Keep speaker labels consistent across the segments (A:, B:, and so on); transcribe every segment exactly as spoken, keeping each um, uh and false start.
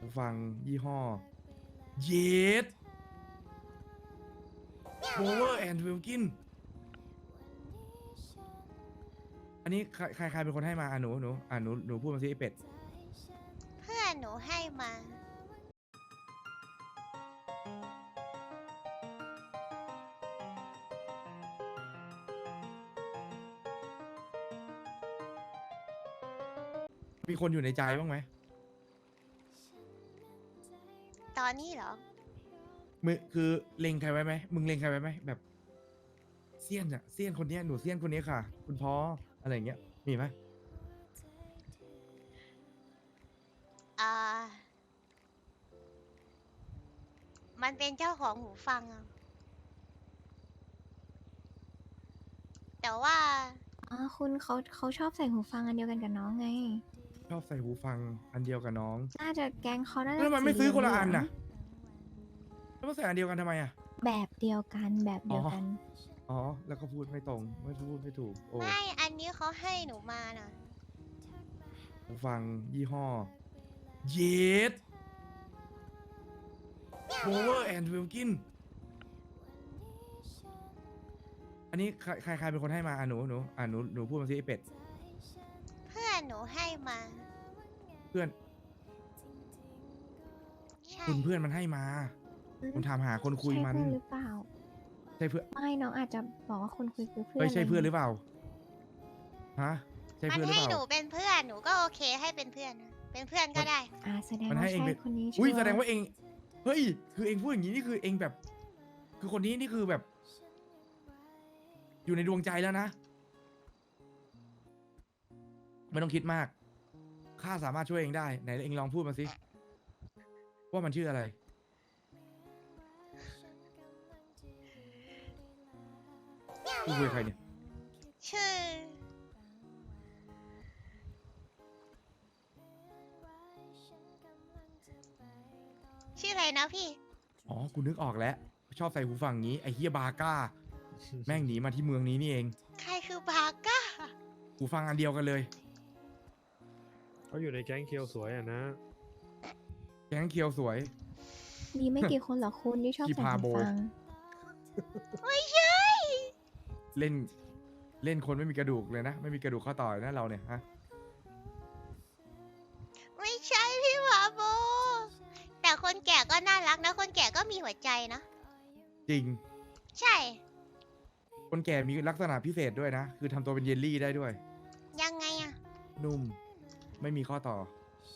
A: หูฟังยี่ห้อเยส Power and Wilkin อันนี้ใครใครใครเป็นคนให้มาอ่ะหนูหนูอ่ะหนูหนูพูดมาสิไอเป็ด
B: เพื่อนหนูให้มา
A: มีคนอยู่ในใจบ้างไหม
B: ตอนนี้เหรอ
A: มึงคือเล็งใครไว้ไหมมึงเล็งใครไว้ไหมแบบเซียนอะเซียนคนนี้หนูเซียนคนนี้ค่ะ คุณพ่ออะไรอย่างเงี้ยมีไหม
B: อ่ามันเป็นเจ้าของหูฟังอะแต่ว่า
C: อ๋อคุณเขาเขาชอบใส่หูฟังอันเดียวกันกับน้องไง
A: ชอบใส่หูฟังอันเดียวกับน้อง
C: น่าจะแก๊งเขาน่าจะ
A: แล้วมันไม่ซื้อคนละอัน
C: เหลื
A: น่ะ
C: ง
A: แล้วมาใส่อันเดียวกันทำไมอ่ะ
C: ๆแบบเดียวกันแบบเดียวกัน
A: อ๋อแล้วก็พูดไม่ตรงไม่พูดไม่ถูกโอ้
B: ไม่อันนี้เขาให้หนูมาน่ะ
A: หูฟังยี่ห้อเยส Power and Wilkin อันนี้ใครใครใครเป็นคนให้มาอ่ะหนูหนูอ่ะหนูหนูพูดมาสิไอเป็ด
B: เพื่อนหนูให้มา
A: เพื่อน
B: ใช่
A: คุณเพื่อนมันให้มาผมถามหาคนคุย
C: ใช่
A: มัน
C: เพื่อนหรือเปล่า
A: ใช่เพื่อน
C: ไม่น้องอาจจะบอกว่าคนคุยคือเพื่อน
A: เฮ้ยใช่เพื่อนหรือ
C: เปล่า
A: เปล่าฮะใช่
B: มัน
A: เพื่อนหรือ
B: ให้
A: เป
B: หนู
A: ล่า
B: เป็นเพื่อนหนูก็โอเคให้เป็นเพื่อนนะเป็นเพื่อนก็ได้
C: อ่าแสดง
A: มัน
C: ว่า
A: ให้เอง
C: ใช่
A: เป็น
C: คนนี้
A: อุ้ย
C: ชัร์
A: แสดงว่าเองเฮ้ยคือเองพูดอย่างนี้นี่คือเองแบบ คือคนนี้นี่คือแบบ อยู่ในดวงใจแล้วนะไม่ต้องคิดมากข้าสามารถช่วยเองได้ไหนเองลองพูดมาสิว่ามันชื่ออะไรพูดคุยกับใครเนี่ย
B: ชื่อ ชื่ออะไรนะพี่
A: อ๋อกูนึกออกแล้ว ชอบใส่หูฟังงี้ไอ้เฮียบาก้า แม่งหนีมาที่เมืองนี้นี่เอง
B: ใครคือบาก้า
A: หูฟังอันเดียวกันเลย
D: เขาอยู่ในแก๊งเคียวสวยอ่ะนะ
A: แก๊งเคียวสวย
C: มีไม่กี่คนหรอกคุณที่ชอบ
A: ที่
C: ใส่
A: พา
C: หู
A: โบ
C: ฟัง
B: ไม่ใช่
A: เล่นเล่นคนไม่มีกระดูกเลยนะ ไม่มีกระดูกข้อต่อเลยนะเราเนี่ยฮะ
B: ไม่ใช่พี่หมาโบ แต่คนแก่ก็น่ารักนะ คนแก่ก็มีหัวใจนะ
A: จริง
B: ใช่
A: คนแก่มีลักษณะพิเศษด้วยนะ คือทำตัวเป็นเยลลี่ได้ด้วย
B: ยังไงอะ
A: นุ่ม ไม่มีข้อต่อ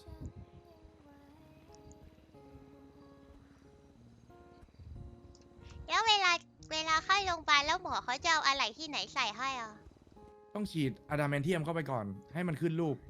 B: แล้วเวลาเวลาเข้าโรงพยาบาลแล้วหมอเขาจะเอาอะไรที่ไหนใส่ให้อ่ะ
A: ต้องฉีดอะดามนเทียมเข้าไปก่อน ให้มันขึ้นรูป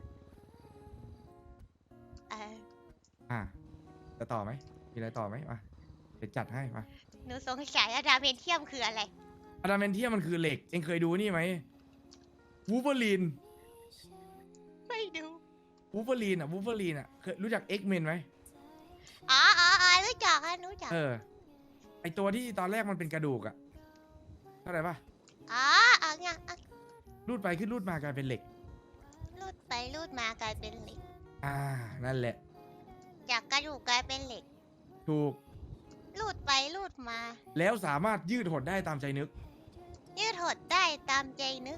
B: เออ
A: อ่ะจะต่อไหม มีอะไรต่อไหมมาเดี๋ยวจัดให้มา
B: หนูสงสัยอะดาเมนเทียมคืออะไร
A: อะดามนเทียมมันคือเหล็ก เองเคยดูนี่ไหมวูเ e อรีน
B: ไม่ดู
A: วูเ e อรีนอ่ะวูเ e อรีนอ่ะเคยรู้จักเอ็กเมนไหม
B: อ๋ออ๋ออ๋อรู้จักอะรู้จัก
A: เออ ไอตัวที่ตอนแรกมันเป็นกระดูกอ่ะเข้าใจปะ
B: อ๋ออ๋อไงอ่ะ
A: รูดไปขึ้นรูดมากลายเป็นเหล็ก
B: รูดไปรูดมากลายเป็นเหล็ก
A: อ่า นั่นแหละ
B: จากกระดูกกลายเป็นเหล็ก
A: ถูก
B: รูดไปรูดมา
A: แล้วสามารถยืดหดได้ตามใจนึก
B: ยืดหดได้ตามใจนึก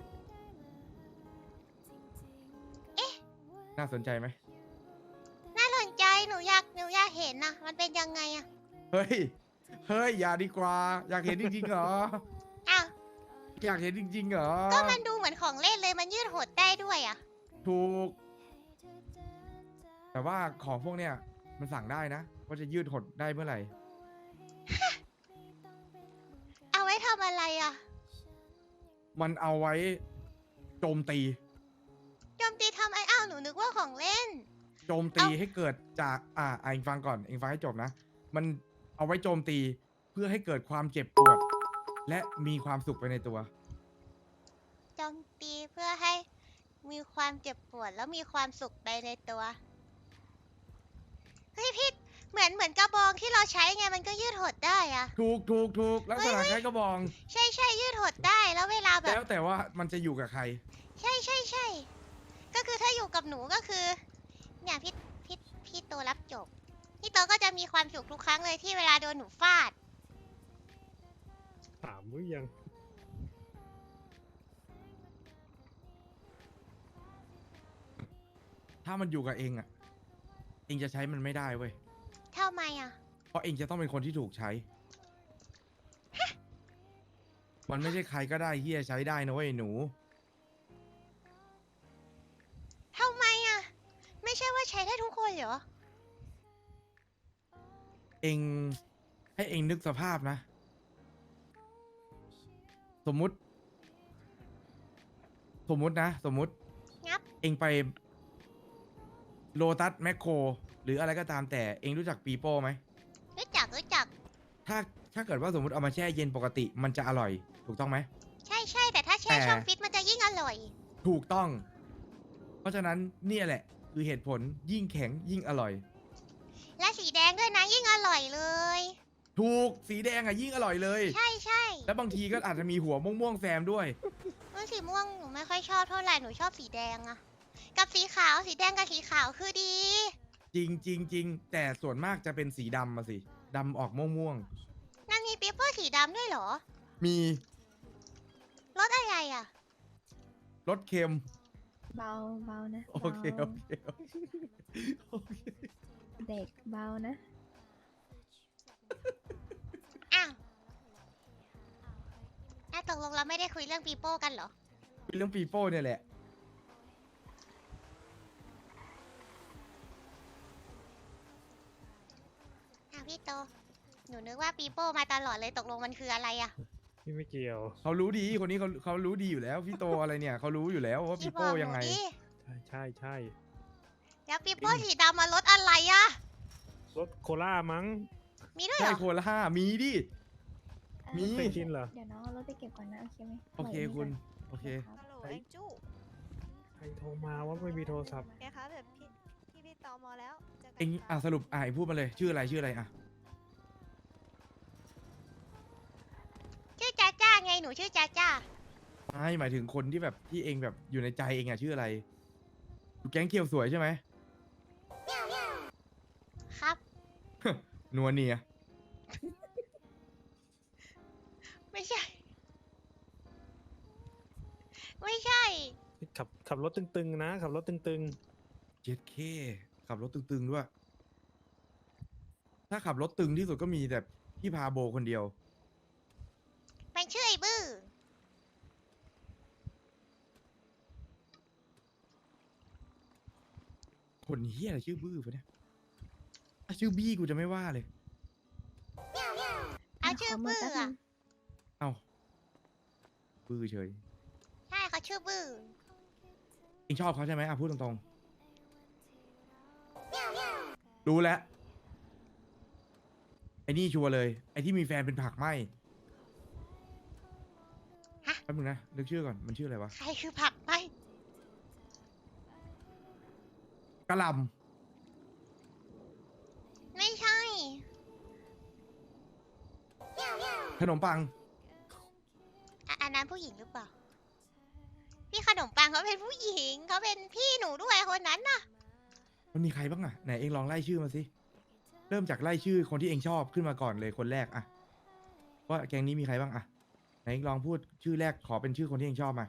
A: น่าสนใจไหม
B: น่าสนใจหนูอยากหนูอยากเห็นนะมันเป็นยังไงอะ
A: เฮ้ย เฮ้ย อย่าดีกว่า อยากเห็นจริงๆเหรอ
B: อ้าว
A: อยากเห็นจริงๆเหรอ
B: ก็มันดูเหมือนของเล่นเลยมันยืดหดได้ด้วยอะ
A: ถูก แต่ว่าของพวกเนี้ยมันสั่งได้นะ ว่าจะยืดหดได้เมื่อไหร่
B: เอาไว้ทำอะไรอะ
A: มันเอาไว้โจมตี
B: โจมตีทำไออ้าวหนูนึกว่าของเล่น
A: โจมตีให้เกิดจาก อ่าอ่ะเองฟังก่อน เองฟังให้จบนะ มันเอาไว้โจมตีเพื่อให้เกิดความเจ็บปวด และมีความสุขไปในตัว
B: โจมตีเพื่อให้มีความเจ็บปวดแล้วมีความสุขไปในตัว เฮ้ยพี่เหมือนเหมือนกระบองที่เราใช้ไงมันก็ยืดหดได้อะ
A: ถูกถูกถูกลักษณะคล้ายกระบอง
B: ใช่ใช่ยืดหดได้แล้วเวลาแบ
A: แล้
B: บ
A: วแต่ว่ามันจะอยู่กับใคร
B: ใช่ใช่ใช่ก็คือถ้าอยู่กับหนูก็คือ เนี่ยพี่พี่พี่โตโตรับจบ พี่โตก็จะมีความสุขทุกครั้งเลยที่เวลาโดนหนูฟาด
D: ถามหรือยัง
A: ถ้ามันอยู่กับเองอ่ะ เองจะใช้มันไม่ได้เว้ย
B: ทำไมอ่ะ
A: เพราะเองจะต้องเป็นคนที่ถูกใช้ มันไม่ใช่ใครก็ได้ที่จะใช้ได้นะเว้ยหนู
B: ทำไมอ่ะ ไม่ใช่ว่าใช้ได้ทุกคนเหรอ
A: เองให้เองนึกสภาพนะ สมมุติ สมมุตินะ สมมุติ
B: งับ
A: เองไปโลตัสแมคโครหรืออะไรก็ตามแต่เองรู้จักปีโป้ไหม
B: รู้จักรู้จัก
A: ถ้าถ้าเกิดว่าสมมติเอามาแช่เย็นปกติมันจะอร่อย ถูกต้องไหม
B: ใช่ใช่แต่ถ้าแช่
A: แต่
B: ช่องฟิตมันจะยิ่งอร่อย
A: ถูกต้อง เพราะฉะนั้นเนี่ยแหละ คือเหตุผลยิ่งแข็งยิ่งอร่อย
B: และสีแดงด้วยนะยิ่งอร่อยเลย
A: ถูกสีแดงอ่ะยิ่งอร่อยเลย
B: ใช่ใช่
A: แล้วบางทีก็อาจจะมีหัวม่วงๆแซมด้วย
B: เออสีม่วงหนูไม่ค่อยชอบเท่าไหร่หนูชอบสีแดงอะกับสีขาวสีแดงกับสีขาวคือดี
A: จริงจริงจริงแต่ส่วนมากจะเป็นสีดำมาสิดำออกม่วง
B: นั่นมีปีเปอร์สีดำด้วยเหรอ
A: ๆมี
B: รสอะไรอะ
A: รสเค็ม
C: เบาเบานะ
A: โอเคโอ
C: เบา
A: เคโอเคโอเค
C: เด็กเบานะ
B: อ้าวน่าตกลงเราไม่ได้คุยเรื่องปีโป้กันเหรอ
A: เรื่องปีโป้เนี่ยแหละ
B: อ้าวพี่โต หนูนึกว่าปีโป้มาตลอดเลยตกลงมันคืออะไรอะ
D: พี่ไม่เกี่ยว
A: เขารู้ดีคนนี้เขาเขารู้ดีอยู่แล้วพี่โตอะไรเนี่ยเขารู้อยู่แล้วว่าปี
B: พี่บ
A: โป้
B: อกห
A: ยัง
B: นู
A: ไง
B: ดิ
D: ใช่ใช่ใช่
B: แล้วปีโป้สีดำมารสอะไรอะ
D: รถโคล่ามั้ง
B: มีด้วยเห
A: ใช่
B: รอ
A: โคล่ามีดิ
C: เอ่อ
A: มี
D: เป็นชินเหรอ
C: เดี๋ยวน้องเอารถไปเก็บก่อนนะ โอเคไหม
A: โอเค
C: ปล่ย
A: คุณ
C: ไว้
A: โอเค
C: ก่อน
E: ฮัลโหล
D: ไอ้
E: แองจู
D: ใครโทรมาว่าไม่มีโทรศัพท์
E: ไงคะแบบพี่พี่พี่ตอมอแล้วเจอกั
A: เอ็ง
E: ค่ะ
A: อ่ะสรุปอ่ะเอ็งพูดมาเลยชื่ออะไรชื่ออะไรอ่ะ
B: ชื่อจ้าจ้าไงหนูชื่อจ้าจ้า
A: ไม่หมายถึงคนที่แบบที่เองแบบอยู่ในใจเองอ่ะชื่ออะไรอยู่แก๊งเคียวสวยใช่ไหม
B: ครับ
A: นัวเนีย
B: ไม่ใช่ ไม่ใช่
D: ขับขับรถตึงๆนะ ขับรถตึง
A: เจ็ดเคขับรถตึงๆด้วย ถ้าขับรถตึงที่สุดก็มีแต่พี่พาโบคนเดียว
B: มันชื่อไอ้บื้อ
A: คนเฮียอะไรชื่อบื้อปะเนี่ยถ้าชื่อบี้กูจะไม่ว่าเลย
B: เอาชื่อ
C: ขมื
B: บื้อ
C: แป๊บนึ
B: อะ
C: ง
A: เอ้าบื้อเฉย
B: ใช่เขาชื่อบื้อ
A: เองชอบเขาใช่ไหมอ่ะพูดตรงๆ รู้แล้ว ไอ้นี่ชัวร์เลย ไอ้ที่มีแฟนเป็นผักไหม
B: ฮะ
A: แป๊บนึงนะนึกชื่อก่อน มันชื่ออะไรวะ
B: ใครคือผักไหม
A: กะหล่
B: ไม่ใช่
A: ำขนมปัง
B: อ่ะอันนั้นผู้หญิงหรือเปล่า พี่ขนมปังเขาเป็นผู้หญิงเขาเป็นพี่หนูด้วยคนนั้นน่ะ
A: มันมีใครบ้างอะไหนเองลองไล่ชื่อมาสิ เริ่มจากไล่ชื่อคนที่เองชอบขึ้นมาก่อนเลยคนแรกอะว่าแก๊งนี้มีใครบ้างอะไหนเองลองพูดชื่อแรกขอเป็นชื่อคนที่เองชอบมา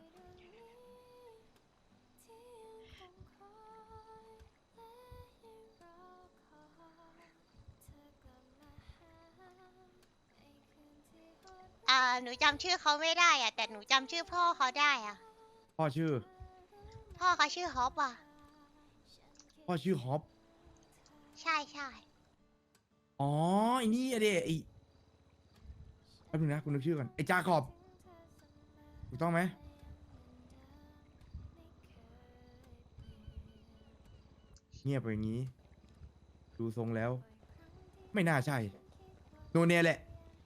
B: อ่าหนูจำชื่อเขาไม่ได้อ่ะ แต่หนูจำชื่อพ่อเขาได้อ่ะ
A: พ่อชื่อ
B: พ่อเขาชื่อฮอปอ่ะ
A: พ่อชื่อฮอป
B: ใช่ใช่
A: อ๋อไอ้นี่อะเดไอ้แป๊บนึงนะคุณนึกชื่อก่อนไอ้จาขอบถูกต้องไหมเงียบไปอย่างนี้ ดูทรงแล้ว ไม่น่าใช่ โนเนียแหละ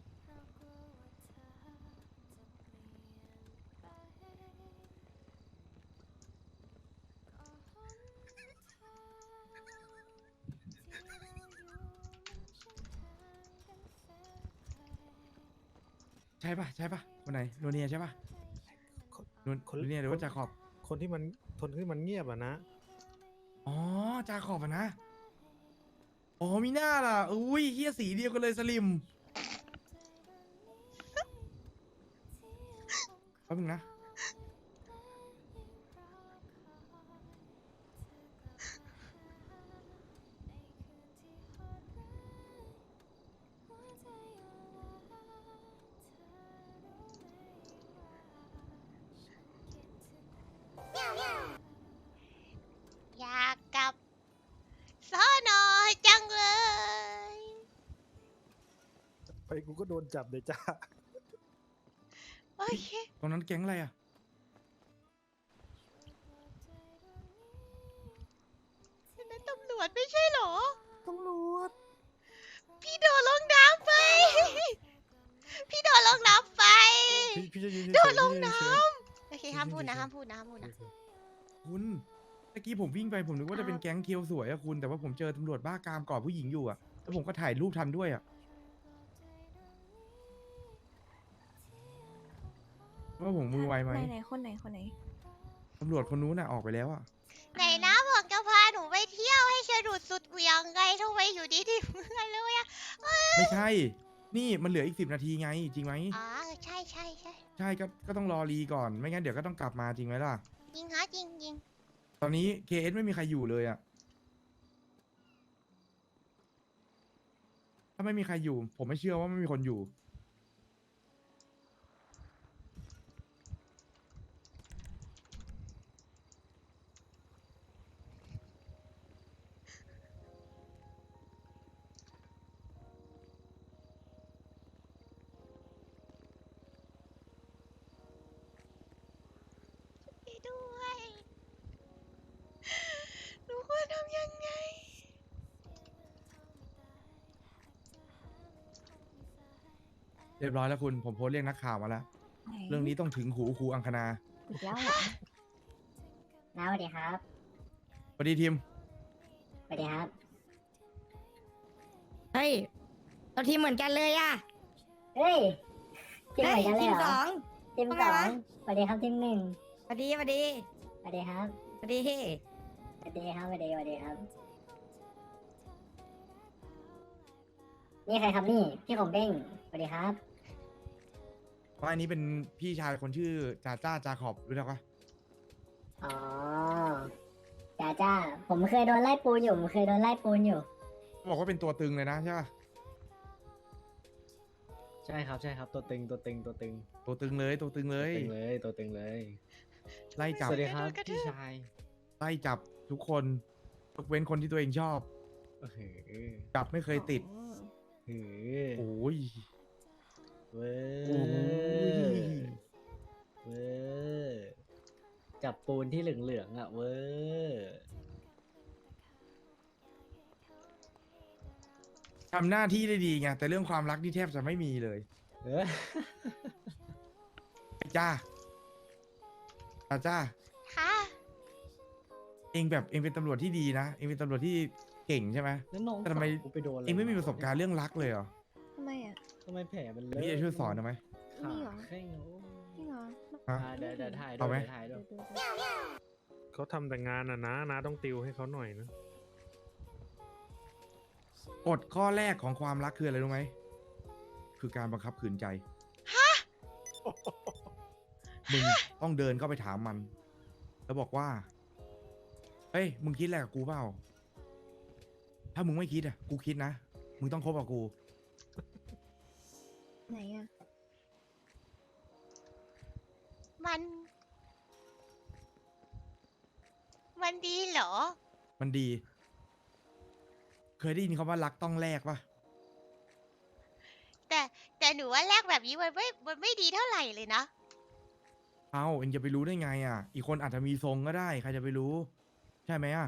A: ใช่ปะใช่ปะคนไหนโนเนียใช่ปะ
D: ๆคน
A: โนโนเนียหรือว่าจาขอบ
D: คนที่มันคนที่มันเงียบอะนะ
A: อ๋อจาขอบอะนะอ๋อมีหน้าล่ะอุ้ยเฮียสีเดียวกันเลยสลิมแป๊บนึงนะ
B: อยากกลับสอนอจังเลย
D: ไปกูก็โดนจับเลยจ้า
B: โอเค
A: ตรงนั้นแก๊งอะไรอ่ะ
B: นั่นตำรวจไม่ใช่เหรอ
E: ตำรวจ
B: พี่โดนลงน้ำไป พี่โดนลงน้ำไป
D: พี่พี่จะยืน
B: โดนลง
D: เฉยๆ
B: น้
D: พี่จะยืน
B: โอเคห้ามพูดนะห้ามพูดนะห้ามพูดนะ
D: เฉย
A: คุณเมื่อกี้ผมวิ่งไปผมนึกว่าจะเป็นแก๊งเคียวสวยอะคุณ แต่ว่าผมเจอตำรวจบ้ากามกอดผู้หญิงอยู่อะแล้วผมก็ถ่ายรูปทันด้วยอะว่าผมมือไวไหม
C: ไหนไหนคนไหนคนไหน
A: ตำรวจคนนู้นน่ะออกไปแล้วอะ
B: ไหนนะบอกจะพาหนูไปเที่ยวให้สนุกสุดเหวี่ยงไงทำไมอยู่ดีๆเมื่อนเลยอะ
A: ไม่ใช่ นี่มันเหลืออีกสิบนาทีไง จริงไหม
B: อ๋อใช่ใช่ใช่
A: ใช่ก็ก็ต้องรอรีก่อน ไม่งั้นเดี๋ยวก็ต้องกลับมาจริงไหมล่ะ
B: จริงฮะจริงจริง
A: ตอนนี้ เค เอส ไม่มีใครอยู่เลยอะถ้าไม่มีใครอยู่ ผมไม่เชื่อว่าไม่มีคนอยู่
B: ไปด้วยหนูควรทำยังไง
A: เรียบร้อยแล้วคุณ ผมโพสต์เรียกนักข่าวมาแล้ว
C: ไหน
A: เรื่องนี้ต้องถึงหูครูอังคณา
C: อีกแล้วเหรอ
F: น้าสวัสดีครับ
A: สวัสดีทีม
F: สวัสดีครับ
G: เฮ้ยเราทีมเหมือนกันเลยอะ
F: เฮ้ยทีมเหมือนกันเลย
G: ที
F: เห
G: ม
F: ร
G: ส
F: อ
G: อง
F: ทีม
G: ว่า
F: ส
G: ไง
F: อ
G: วะ
F: งสวัสดีครับทีมหนึ่ง
G: สวัสดีสวัสดี
F: สวัสดีครับ
G: สวัสดี
F: สวัสดีครับสวัสดีสวัสดีครับ นี่ใครครับนี่ พี่ของเบ้งสวัสดีครับ
A: ว่าอันนี้เป็นพี่ชายคนชื่อจ่าจ้าจาขอบรู้จักปะ
F: อ๋อจ้าจ้า ผมเคยโดนไล่ปูนอยู่ ผมเคยโดนไล่ปูนอยู่
A: บอกว่าเป็นตัวตึงเลยนะใช่ปะ
H: ใช่ครับใช่ครับตัวตึงตัวตึงตัวตึง
A: ตัวตึงเลยตัวตึงเล
H: ตัวย ตึงเลยตัวตึงเลย
A: ไล่จับ
H: สวัสดีครับ
B: กระทืบ
H: พี่ชาย
A: ไล่จับทุกคนยกเว้นคนที่ตัวเองชอบ
H: เออ
A: จับไม่เคยติด
H: เออ
A: โอ้ย
H: เว้
A: โอ้ย
H: ยเว้ยจับปูนที่เหลืองๆอ่ะเว้ย
A: ทำหน้าที่ได้ดีไงแต่เรื่องความรักนี่แทบจะไม่มีเลย
H: เออ
A: ไอ้จ้าจ้าจ้า
B: ค่ะ
A: เองแบบเองเป็นตำรวจที่ดีนะเองเป็นตำรวจที่เก่งใช่ไหม
H: แล้วน้อง
A: แต่ทำไม
H: สาวกูไปโดนอะร
A: เองไม่มีประสบการณ์เรื่องรักเลยเหรอ
C: ทำไมอ่ะ
H: ทำไมแผลมันเล
A: พี่จะช่วยสอนหน่อยไหม
H: ขา
C: นี่เหรอ
H: แข้งโอ้
C: จริงเหรอ
A: ฮะ
H: อ่าเดี๋ยวเดี๋ยวถ่ายด้
A: เอา
H: วย
A: ไหม
H: เดี๋ยวถ่ายด้วย
C: เดี๋ยวๆ
D: เขาทำแต่งานอ่ะนะนะต้องติวให้เขาหน่อยนะ
A: กฎข้อแรกของความรักคืออะไรรู้ไหมคือการบังคับขืนใจมึงต้องเดินเข้าไปถามมัน แล้วบอกว่าเฮ้ยมึงคิดอะไรกับกูเปล่าถ้ามึงไม่คิดอ่ะกูคิดนะมึงต้องคบกับกู
C: ไหนอ่ะ
B: มัน มันดีเหรอ
A: มันดี เคยได้ยินคำว่ารักต้องแลกปะ
B: แต่แต่หนูว่าแลกแบบนี้มันไม่ มันไม่ดีเท่าไหร่เลยนะ
A: เอ้าเองจะไปรู้ได้ไงอ่ะ อีกคนอาจจะมีทรงก็ได้ ใครจะไปรู้ ใช่ไหมอ่ะ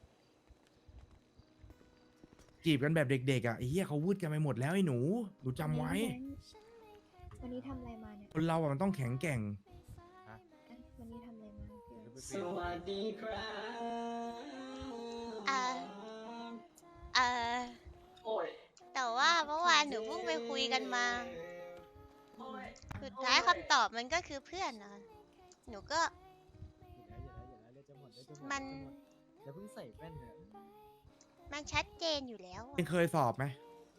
A: จีบกันแบบเด็กๆอ่ะไอ้เหี้ยเขาวืดกันไปหมดแล้วไอ้หนู หนูจำไว้
C: วันนี้ทำอะไรมาเนี่ย
A: คนเราอ่ะมันต้องแข็งแกร่ง
C: อ่ะวันนี้ทำอะไรมาพี่เอิร์ธ
H: สวัสดีครับ
B: อ่า เอ่อ
H: โอ้ย
B: แต่ว่าเมื่อวานหนูเพิ่งไปคุยกันมา สุดท้ายคำตอบมันก็คือเพื่อนนะ หนูก็
H: อย่าแล้วอย่าแล้วอย่าแล้วเลือดจะหมดเลือดจะหมด
B: มัน
H: เลือดจะหมดอย่าเพิ่งใส่แว่นเลย
B: มันชัดเจนอยู่แล้วอะ
A: เองเคยสอบไหม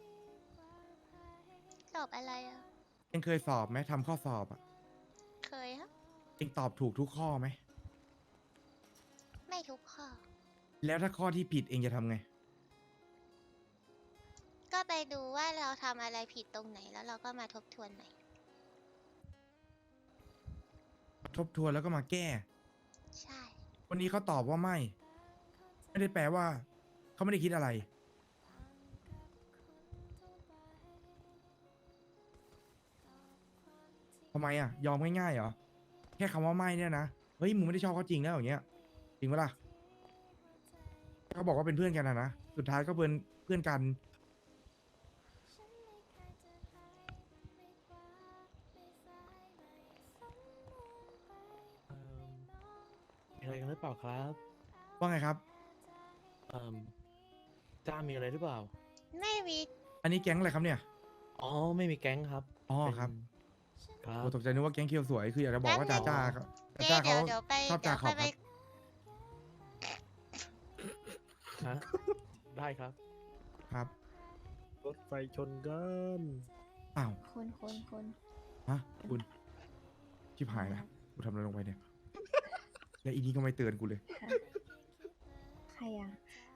B: สอบอะไรอ่ะ
A: เองเคยสอบไหมทำข้อสอบอ่ะ
B: เคยครับ
A: เองตอบถูกทุกข้อไหม
B: ไม่ทุกข้อ
A: แล้วถ้าข้อที่ผิดเองจะทำไง
B: ก็ไปดูว่าเราทำอะไรผิดตรงไหนแล้วเราก็มาทบทวนใหม่
A: ทบทวนแล้วก็มาแก้
B: ใช่
A: วันนี้เขาตอบว่าไม่ ไม่ได้แปลว่า เขาไม่ได้คิดอะไร ทำไมอ่ะ ยอมง่ายๆเหรอ แค่คำว่าไม่เนี่ยนะ เฮ้ยมึงไม่ได้ชอบเขาจริงแล้วอย่างเงี้ย จริงปะล่ะเขาบอกว่าเป็นเพื่อนกันนะนะ สุดท้ายก็เป็นเพื่อนกัน
D: มีอะไรกันหรือเปล่าครับ
A: ว่าไงครับ
D: เอ่มจ้ามีอะไรหรือเปล่า
B: ไม่มี
A: อันนี้แก๊งอะไรครับเนี่ย
D: อ๋อ ไม่มีแก๊งครับ
A: อ๋อ
D: เป็น
A: ครับ
D: ครับ
A: โอ้ตกใจนึกว่าแก๊งเคียวสวย คืออยากจะบอกว่า
B: แป๊
A: จ้า
B: บนึง
A: จ้าครับ
B: เอ๊ะ
A: จ้า
B: เดี๋
A: เขา
B: ยวเดี๋ยวไป
A: ชอบ
B: เดี๋
A: จา
B: ยว
A: ขอ
B: ค่อบ ย
A: ค
B: ไป
A: รับ
D: ฮะ ได้ครับ
A: ครับ
D: รถไฟชนกัน
A: อ้าว
C: คนคนคน
A: ฮะคุณชิบหายละกูทำอะไรลงไปเนี่ย แล้วอีนี้ก็ไม่เตือนกูเลย
C: ใครอ่ะ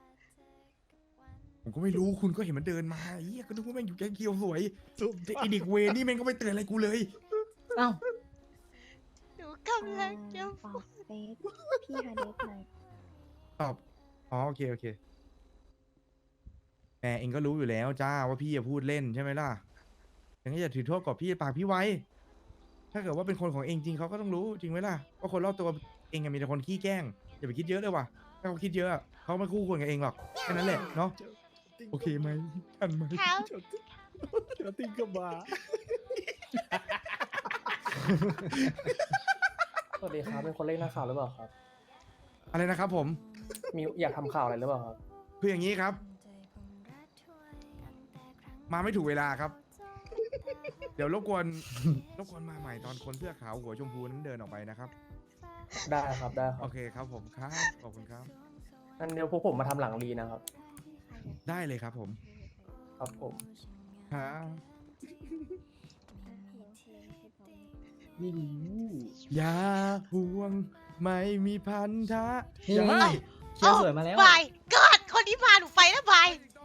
A: ผมก็ไม่รู้คุณก็เห็นมันเดินมาเฮียก็นึกว่าแม่งอยู่แก๊งเคียวสวยแต่ไอีเด็กเวรนี่แม่งก็ไม่เตือนอะไรกูเลย
H: เอ้า
B: หนูกำลังจะ
C: ตอบเฟซพี่ฮาเดสหน่อย
A: ตอบ อ๋อโอเคโอเคแหมเองก็รู้อยู่แล้วจ้าว่าพี่จะพูดเล่นใช่ไหมล่ะยังก็อย่าถือโทษกับพี่ปากพี่ไว้ ถ้าเกิดว่าเป็นคนของเองจริงเขาก็ต้องรู้จริงไหมล่ะว่าคนรอบตัวเองอะมีแต่คนขี้แกล้งอย่าไปคิดเยอะเลยว่ะถ้าเขาคิดเยอะอะเขาไม่คู่ควรกับเองหรอกแค่นั้นแหละเนาะโอเคไหมทันไหม
B: ครับ
D: เจอติงกับมา
I: สวัสดีครับ เป็นคนเล่นนักข่าวหรือเปล่าครับ
A: อะไรนะครับผม
I: มีอยากทำข่าวอะไรหรือเปล่าครับ
A: คืออย่างนี้ครับ มาไม่ถูกเวลาครับ เดี๋ยวรบกวน รบกวนมาใหม่ตอนคนเสื้อขาวหัวชมพูนั้นเดินออกไปนะครับ
I: ได้ครับ ได้ครั
A: โอบ เคครับผมครับขอบคุณครับ
I: งั้นเดี๋ยวพวกผมมาทำหลังรีนะครับ
A: ได้เลยครับผม
I: ครับผม
A: ครับ
H: นี่
A: อย่าห่วงไม่มีพันธะ
H: นี่
A: อย่า
H: ไงเคียวสวยมาแล้ว
B: บายกอดคนที่มาหนูไปแล้วบาย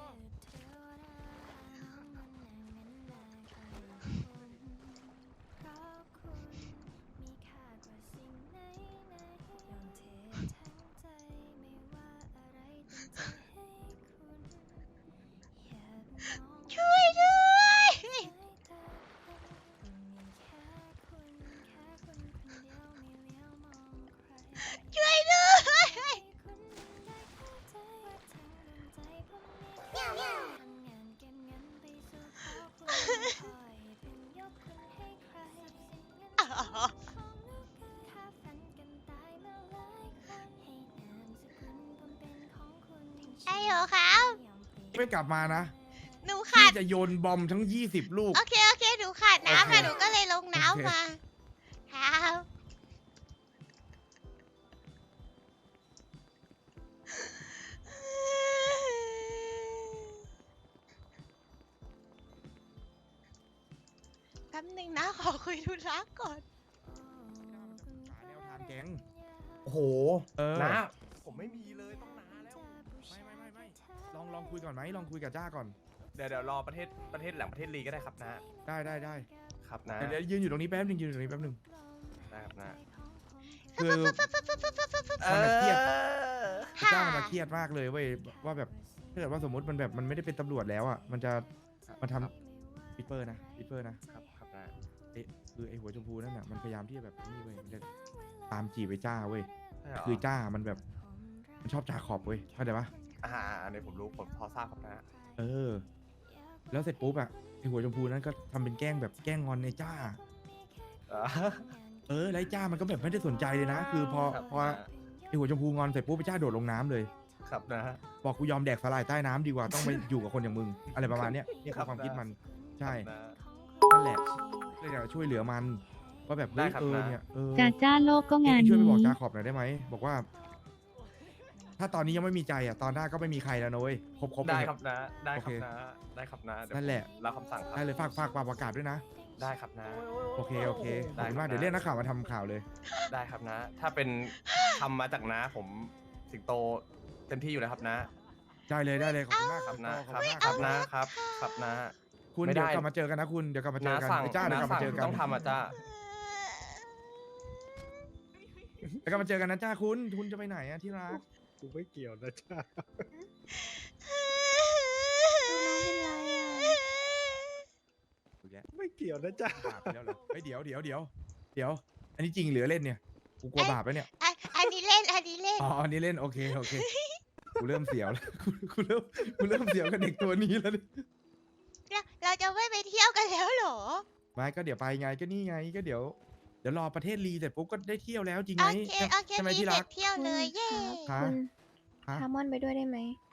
B: ช่วยด้วยช่วยด้วย ไอ้เหรอครับ
A: ไม่กลับมานะ
B: หนู
A: พี่
B: ขาด
A: จะโยนบอมทั้งยี่สิบลูก
B: โอเค โอเค หนูขาดน้ำค่ะ
A: โอเค
B: หนูก็เลยลง
A: โอเค
B: น้ำมา ครับแป๊บหนึงนะ ขอคุยธุระก่อน
A: แนวทางแก๊ง
I: โอ้โห
A: เออ
I: นะ
J: ผมไม่มีเลยต้องนานแล้ว
A: ไม่ไม่ไม่ไม่ลองลองคุยก่อนไหมลองคุยกับจ้าก่อน
J: เดี๋ยวเดี๋ยวรอประเทศประเทศหลังประเทศลีก็ได้ครับนะ
A: ได้ได้ได้
J: ครับนะ
A: เดี๋ยวเดี๋ยวยืนอยู่ตรงนี้แป๊บนึงยืนอยู่ตรงนี้แป๊บนึง
J: ได้ครับนะ
A: คือ มันอะเครียด จ้ามันอะเครียดมากเลยเว้ยว่าแบบถ้าเกิดว่าสมมติมันแบบมันไม่ได้เป็นตำรวจแล้วอ่ะมันจะมันทำปิปเปอร์นะปิปเปอร์นะครับ
J: ครับนะ
A: ไอ้คือไอ้หัวชมพูนั่นน่ะมันพยายามที่จะแบบนี่เว้ยมันจะตามจีบไอ้จ้าเว้ย
J: ใช่เหรอ
A: คือจ้ามันแบบมันชอบจาขอบเว้ยเข้าใจปะ
J: อ่าอันนี้ผมรู้ผมพอทราบครับนะ
A: เออ แล้วเสร็จปุ๊บอะไอ้หัวชมพูนั้นก็ทำเป็นแกล้งแบบแกล้งงอนไอ้จ้า
J: อ่า
A: เออแล้วไอ้จ้ามันก็แบบไม่ได้สนใจเลยนะ คือพอ
J: ครับ
A: พอไอ้หัวชมพูงอนเสร็จปุ๊บไอ้จ้าโดดลงน้ำเลย
J: ครับนะ
A: บอกกูยอมแดกสลายใต้น้ำดีกว่าต้องไปอยู่กับคนอย่างมึง อะไรประมาณเนี้ยนี่
J: ครั
A: คือบ ความคิดมัน ใช่
J: ครับนะ
A: นั่นแหละเลยอยากจะช่วยเหลือมันว่าแบบเฮ้ย
J: ได้ครับ
A: เออ
J: นะ
A: เนี่ยเออ
K: จ้าจ้าโลกก็งาน
A: เองช่วยไปบอก
K: นี้
A: จาขอบหน่อยได้ไหมบอกว่าถ้าตอนนี้ยังไม่มีใจอ่ะตอนหน้าก็ไม่มีใครแล้วนะเว้ยครบครบๆ
J: ได้
A: เลย
J: ครับนะ ได้ครับ
A: โอเค
J: นะ ได้ครับนะเดี๋ยว
A: นั่นแหละ
J: ผมรับคำสั่งครับ
A: ได้เลยฝากฝากฝากประกาศด้วยนะ
J: ได้ครับนะ
A: โอเคโอเคขอบคุณมาก
J: ได้ครับ
A: เดี๋ยวเรียกนักข่าวมาทำข่าวเลย
J: ได้ครับนะ ถ้าเป็นทำมาจากน้าผมสิงโตเต็มที่อยู่แล้วครับนะ
A: ได้เลยได้เลยขอบคุณมาก
J: ครับ
A: สิง
J: นะ
A: โต
J: ครับ
A: ขอณมาก
J: ครับนะครับ ครับนะ
A: คุณ
J: ไม่
A: เดี๋ยว
J: ได้
A: กลับมาเจอกันนะคุณเดี๋ยวกลับมาเจ
J: น้า
A: อกัน
J: สั่ง
A: ไอ้จ้าเดี๋ยวกลับ
J: น้า
A: มา
J: สั่ง
A: เจอกัน
J: ต้องทำอ่ะจ้า
A: เดี๋ยวกลับมาเจอกันนะจ้าคุณคุณจะไปไหนอะที่รัก
D: กูไม่เกี่ยวนะจ้า ไม่เกี่ยวนะจ้า
A: บาปไปแล้วเหรอเฮ้ยเดี๋ยวเดี๋ยวเดี๋ยวเดี๋ยว อันนี้จริงเหลือเล่นเนี่ยกูกลัวบาปแล้วเนี่ย
B: อันอันนี้เล่นอันนี้เล่น
A: อ๋ออันนี้เล่นโอเคโอเคกูเริ่มเสียวแล้วกูกูเริ่มกูเริ่มเสียวกับเด็กตัวนี้แล้วเนี่ย
B: เราเราจะไม่ไปเที่ยวกันแล้วเหรอ
A: ไม่ก็เดี๋ยวไปไงก็นี่ไงก็เดี๋ยวเดี๋ยวรอประเทศรีเสร็จปุ๊บก็ได้เที่ยวแล้วจริง
B: โอ
A: ไหม
B: เค
A: ใช่
B: โอเค
A: ใช่ไหม
B: มี
A: ที่
B: เส
A: รั
B: ร็
A: ก
B: จเที่ยวเลยเย้
A: ฮะ
C: คุณ
A: ฮะ
C: พามอนไปด้วยได้ไหม